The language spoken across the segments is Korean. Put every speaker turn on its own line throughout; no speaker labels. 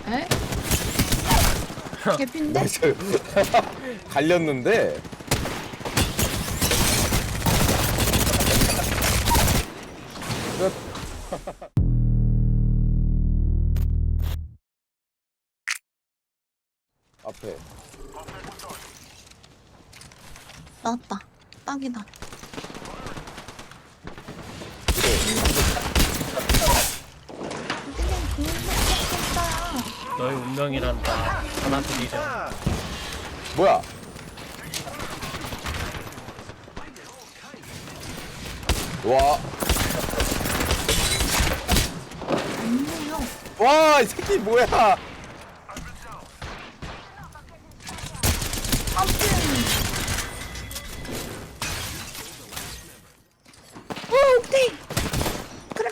에? 개핀데?
갈렸는데. 끝. 앞에.
나왔다. 딱이다. 근데 그거
너의 운명이란다. 하나도 이제
뭐야? 와.
없네요.
와, 이 새끼 뭐야?
아무튼. 오, 오케이. 그래.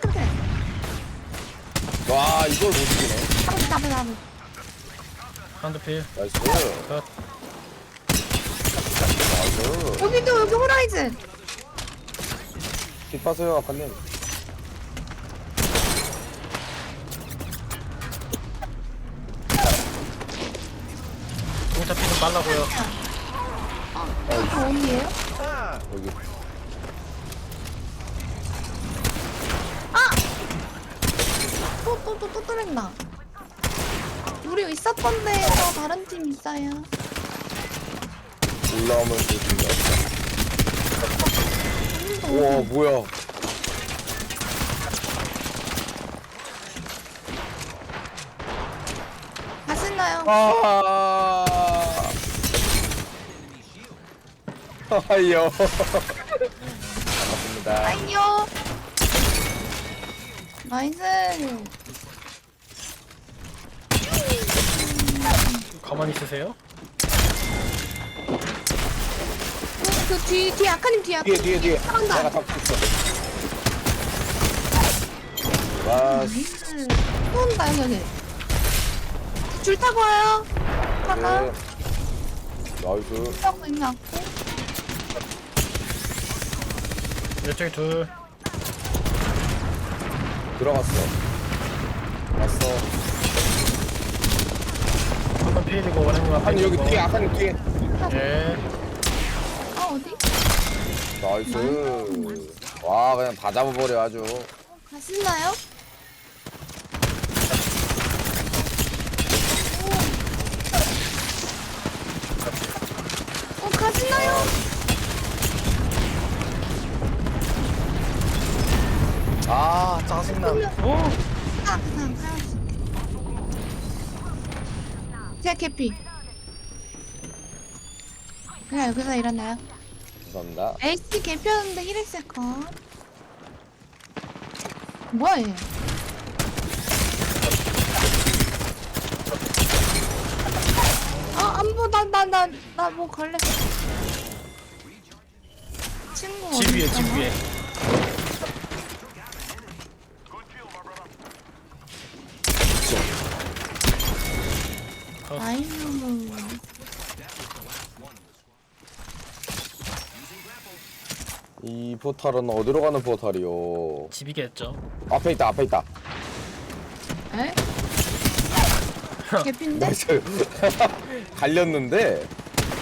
와, 이걸 못 이기네.
나무.
한두 필.
나이스.
컷.
나이스.
여기 호라이즌.
kit하세요, 아까님.
공차 피좀 빨라고요.
아, 어디에요?
여기.
또 뚫린다. 우리 있었던 데에서 다른 팀 있어요.
올라오면 좋습니다.
오늘도
우와,
어디?
뭐야.
가시나요?
아. 아이요. 반갑습니다.
아이요. 나이스.
가만히 있으세요.
그 뒤에 아카님 뒤에.
뒤에.
사랑다.
내가 잡고 있어. 와,
나이스. 또 온다 여기. 줄 타고 와요. 타가.
네. 나이스.
타고 있는 않고.
이쪽에 둘.
들어갔어. 왔어.
한번 필이고 원행과
아니, 여기 뒤에, 아까님 뒤에.
예.
아 어디?
나이스. 와, 그냥 다 잡아버려, 아주.
가시나요? 가시나요?
아, 짜증나.
오.
그냥 가야지. 제가 캐피. 그냥 여기서 일어나요.
감사합니다.
에이스 개피였는데 1엑스 컷. 뭐야 얘? 나 뭐 걸렸어. 친구 어디
집 위에
있잖아.
집 위에.
아이고.
이 포탈은 어디로 가는 포탈이요?
집이겠죠.
앞에 있다.
에? 개피인데?
나이스. 갈렸는데.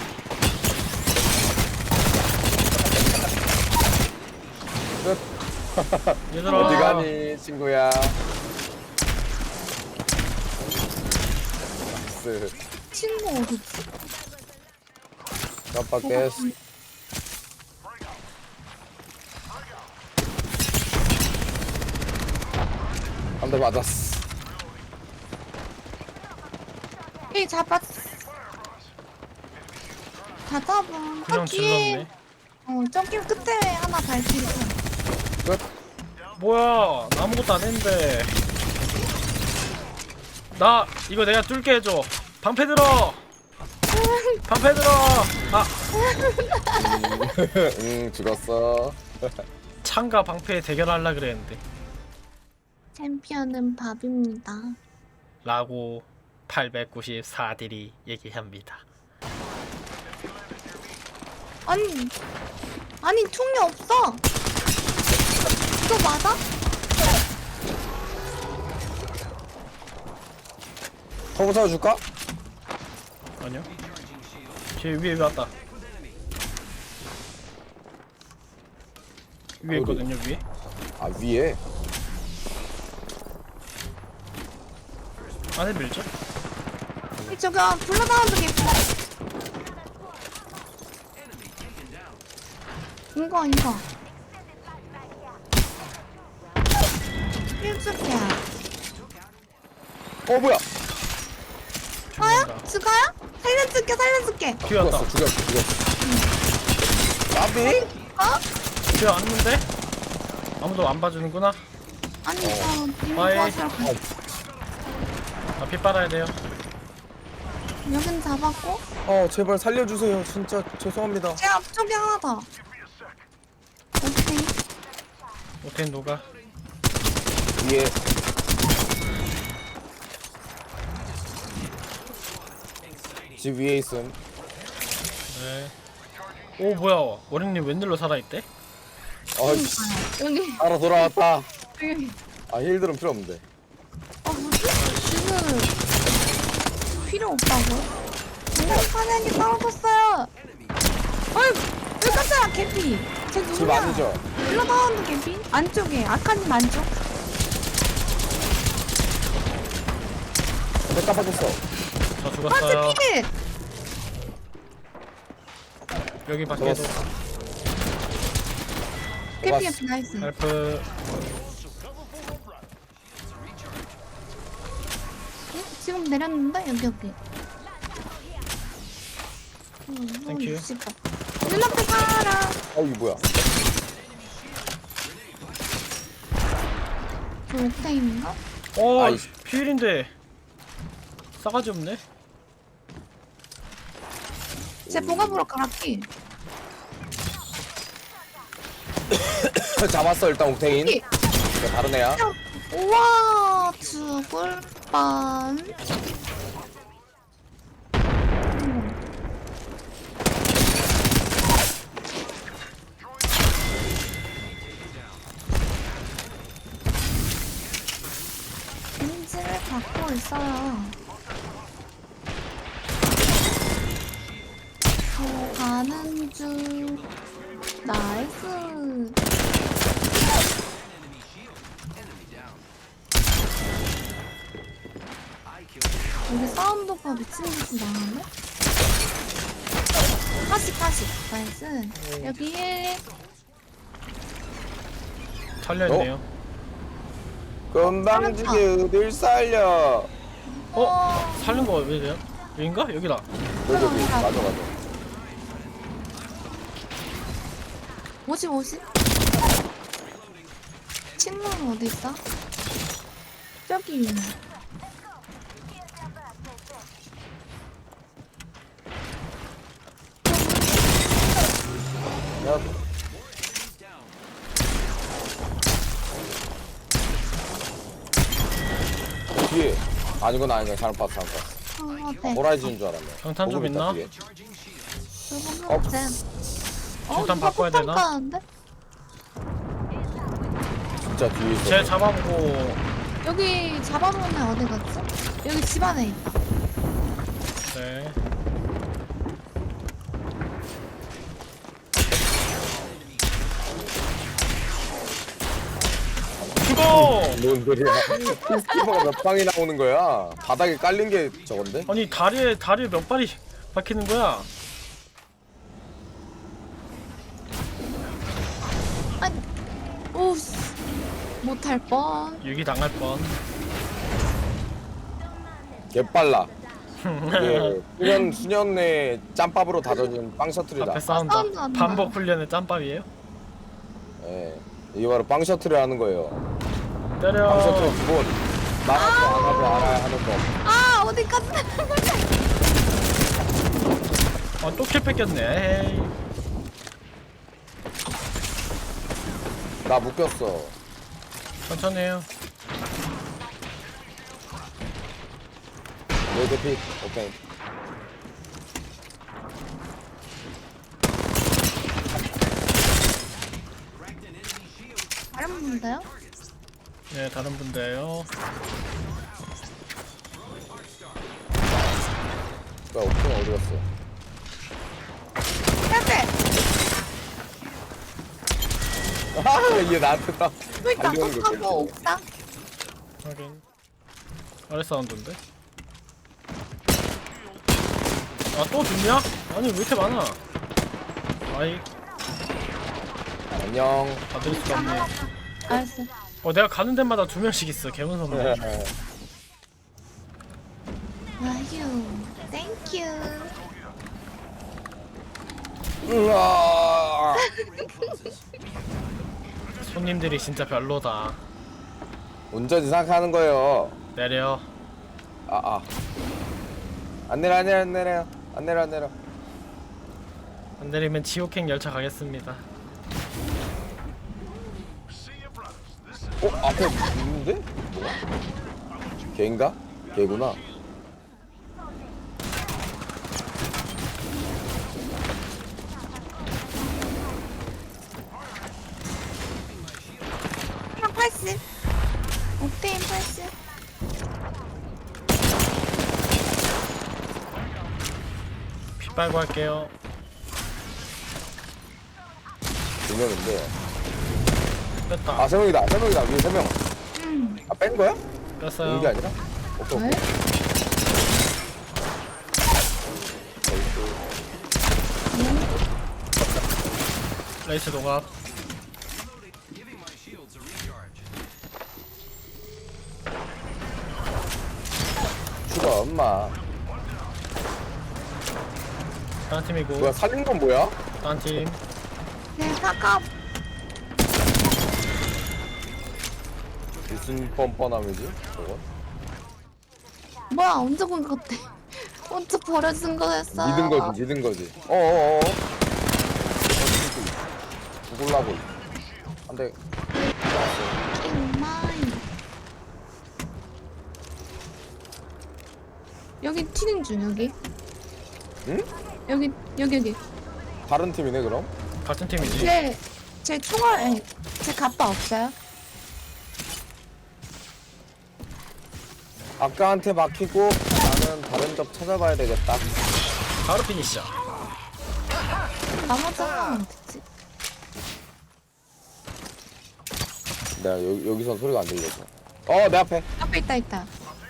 끝.
얘들아.
어디 가니, 친구야? 나이스.
친구 어디 있지?
깜빡했어. 한 대 맞았어.
이 잡았어. 다 잡아.
그냥 질렀네.
저기 끝에 하나 발키리.
끝.
뭐야? 나 아무것도 안 했는데. 나 이거 내가 뚫게 해줘. 방패 들어. 방패 들어. 아,
죽었어.
창과 방패 대결하려 그랬는데.
챔피언은 밥입니다.
라고 894딜이 얘기합니다.
아니 총이 없어. 이거 맞아?
터보 타줄까?
아니요. 쟤 위에 왔다. 위에
어디?
있거든요, 위에.
아 위에.
안에 밀죠?
저기 블러다운드 개피. 이거. 일주기야.
뭐야?
가요? 죽어요? 살려줄게.
뒤에 왔다.
죽였어. 나비?
어?
뒤에 왔는데? 아무도 안 봐주는구나.
아니 저 이거
아예.
도와주러 가.
피 빨아야 돼요.
여긴 잡았고
제발 살려주세요. 진짜 죄송합니다.
제 앞쪽에 하나 더. 오케이.
오텐 누가?
위에. 집 위에 있음.
네. 오 뭐야? 원행님 웬일로 살아있대?
아이씨.
여기
알아 돌아왔다.
여기.
아 힐들은 필요 없는데.
뭐지? 지금 필요 없다고? 사냥이 떨어졌어요. 어이, 왜 깜짝이야, 개피. 쟤
집
누구야?
아니죠?
블러다운드 개피? 안쪽에, 아카님 안쪽.
내 깜빡했어.
저
아,
죽었어요.
쟤 필!
여기 밖에도
죽었어.
개피, 나이스.
헬프.
응? 지금 내렸는데? 여기.
땡큐.
눈앞에 살아.
이게 뭐야?
저 옥테인인가?
아이씨. 피일인데 싸가지 없네.
쟤 보갑으로 갈았기.
잡았어 일단 옥테인.
이.
이거 다른 애야.
우와, 죽을 뻔. 인지를 받고 있어요. 저 가는 중. 나이스. 여기 사운드가 미친 듯이 나는데? 40. 나이스. 여기 1.
살려있네요.
금방지게 어딜 살려.
살린 거 왜 돼요? 여긴가? 여기다.
여기 맞아.
50. 친구는 어디 있어? 저기 있네.
야. 뒤에. 아니구나 잘못 봤어.
네.
호라이즌인 줄 알았네.
경탄 좀
보급 있다,
있나?
뒤에.
저거 없애.
일단 바꿔야 되나?
까는데?
진짜 뒤에 있어.
쟤 잡아보고.
여기 잡아놓은 애 어디 갔지? 여기 집 안에 있다.
네. 죽어!
뭔 소리야? 스티커가 몇 방이 나오는 거야? 바닥에 깔린 게 저건데?
아니 다리에 몇 발이 박히는 거야?
아니, 오씨. 못할 뻔.
유기 당할 뻔.
개빨라. 이게 수년 내에 짬밥으로 다져진 빵 셔틀이다.
앞에 싸운다.
사운드 안 나.
반복 훈련의 짬밥이에요?
예. 이게 바로 빵 셔틀을 하는 거예요.
때려.
빵 셔틀 기본. 나가서 안 하고 알아야 하는 법.
아, 어디까지 나간 거지?
또 킬 뺏겼네. 에이.
나 묶였어.
천천히 해요.
내 대피. 오케이.
다른 분인데요?
네, 다른 분들요.
뭐야 옥수는 어디 갔어?
빼빼.
얘 나한테 딱
왜
달려오는 거
나도
보여.
하고 옥상?
확인. 아래 사운드인데? 아 또 죽냐? 아니 왜 이렇게 많아? 아이
안녕.
받을 수가 없네.
알았어.
내가 가는 데마다 2명씩 있어. 개무섭네.
아휴. 땡큐.
으아.
손님들이 진짜 별로다.
운전이 생각하는 거예요.
내려.
안 내려 안 내려 안 내려 안 내려 안 내려.
안 내리면 지옥행 열차 가겠습니다.
앞에 있는데? 뭐야? 걔인가? 걔구나.
한 80. 옥테인 80.
피 빨고 할게요.
두 명인데.
뺐다.
세 명이다. 세 명이다. 위에 세 명. 뺀 거야?
뺐어요.
이게 아니라? 오케이
왜?
오케이.
레이스 동갑.
추가 엄마.
다른 팀이고.
뭐야 살린 건 뭐야?
다른 팀.
네, 사과.
무슨 뻔뻔함이지? 저거?
뭐야, 언제 본 것 같아. 언제 버려진 거였어.
믿은 거지. 어어어. 죽을라고. 안돼.
마이. 여기 튀는 중, 여기.
응?
여기.
다른 팀이네 그럼?
같은 팀이지.
제 총알, 아니, 제 갑바 없어요?
아까한테 막히고 나는 다른 적 찾아봐야 되겠다.
바로 피니시야.
나머지 하나만 됐지.
내가 여기선 소리가 안 들려서. 내 앞에.
앞에 있다.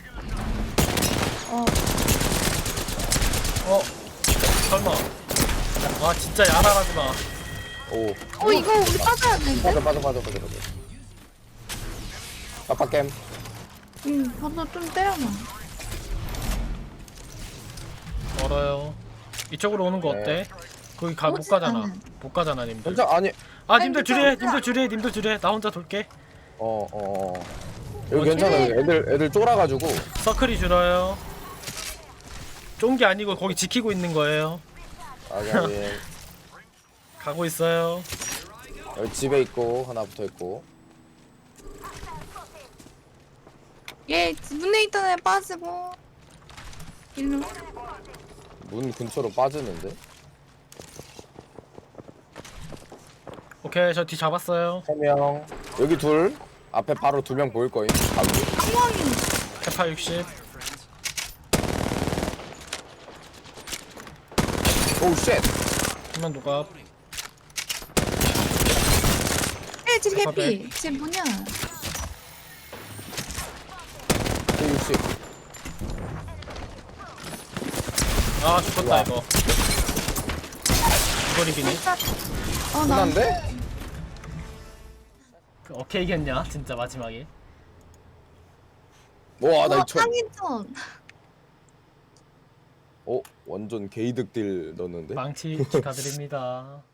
설마. 아 진짜 야랄하지 마.
이거 우리 빠져야 되는데?
맞아. 아빠 게임.
저도 좀 때려놔.
멀어요. 이쪽으로 오는 거 어때? 거기 못
오지
가잖아.
않은.
못 가잖아 님들.
진짜 아니.
님들
괜찮아.
님들 줄에. 나 혼자 돌게.
여기 괜찮아. 여기 애들 쫄아가지고.
서클이 줄어요. 쫀 게 아니고 거기 지키고 있는 거예요.
여기
가고 있어요.
집에 있고 하나 붙어 있고.
얘 문에 있던 애 빠지고. 일로.
문 근처로 빠지는데.
오케이 저 뒤 잡았어요.
3명. 여기 둘. 앞에 바로 2명 보일 거임.
상황이.
페파 60.
오우 쉣.
한명 누가?
쟤 해피. 쟤 뭐냐?
60.
아 죽었다 이거. 이걸 이기네.
나.
끝난데?
오케이 이겼냐 진짜 마지막에.
와, 나 이천.
짱이전.
완전 개이득 딜 넣었는데.
망치 축하드립니다.